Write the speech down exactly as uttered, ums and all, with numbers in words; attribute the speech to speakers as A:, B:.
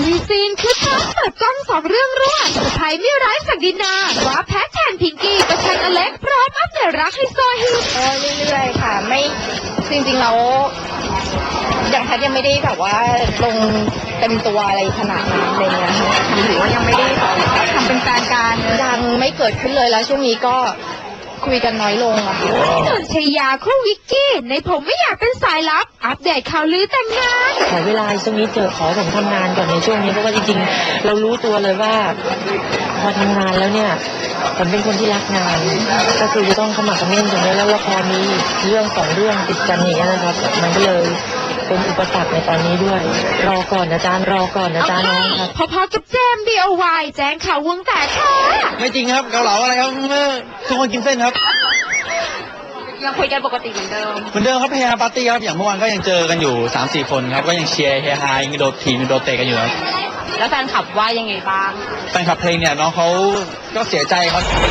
A: มีซีนคือทั้งเปิดกล้องสองเรื่องรวดสุดท้ายไม่ร้ายสักดินาว่าแพทแทนพิงกี้กับชันอเล็กพร้อมอัปเดตรักให้โซฮิต
B: ก็เรื่อยๆค่ะไม่จริงๆแล้วอย่างแพทยังไม่ได้แบบว่าลงเต็มตัวอะไรขนาดนั้นอะไรเงี้ยถือว่ายังไม่ได้ทำเป็นแฟนกันยังไม่เกิดขึ้นเลยแล้วช่วงนี้ก็คุยกันน้อยลงอะค่ะ
A: นนชยาคู่วิกกี้ในผมไม่อยากเป็นสายลับอัปเดตข่าวลือแต่งงาน
C: ขอเวลาช่วงนี้เจอขอผมทำงานก่อนในช่วงนี้เพราะว่าจริงๆเรารู้ตัวเลยว่าพอทำงานแล้วเนี่ยผมเป็นคนที่รักงานก็คือจะต้องเข้ามาคอมเมนต์ตรงนี้แล้วละครมีเรื่องสองเรื่องติดกันอย่างนี้นะครับมันก็เลยเป็นอุปสรรคในตอนนี้ด้วยรอก่อนอาจารย์รอก่อนอาจารย์น้องครับ
A: พอๆกับเจมส์ บี โอ วาย แจ้งข่าววงแตกค่ะ
D: ไม่จริงครับเกาเหลาอะไรครับทุกคนกินเส้นครับ
B: ยังคุยกันปกติเหมือนเดิม
D: เหมือนเดิมครับเฮฮาปาร์ตี้ครับอย่างเมื่อวานก็ยังเจอกันอยู่ สามสี่ คนครับก็ยังเชียร์เฮฮายังโดดทีมโดดเตะกันอยู่ครับ
B: แล้วแฟนคลับว่ายังไงบ้าง
D: แฟนคลับเพลงเนี่ยน้องเขาก็เสียใจครับ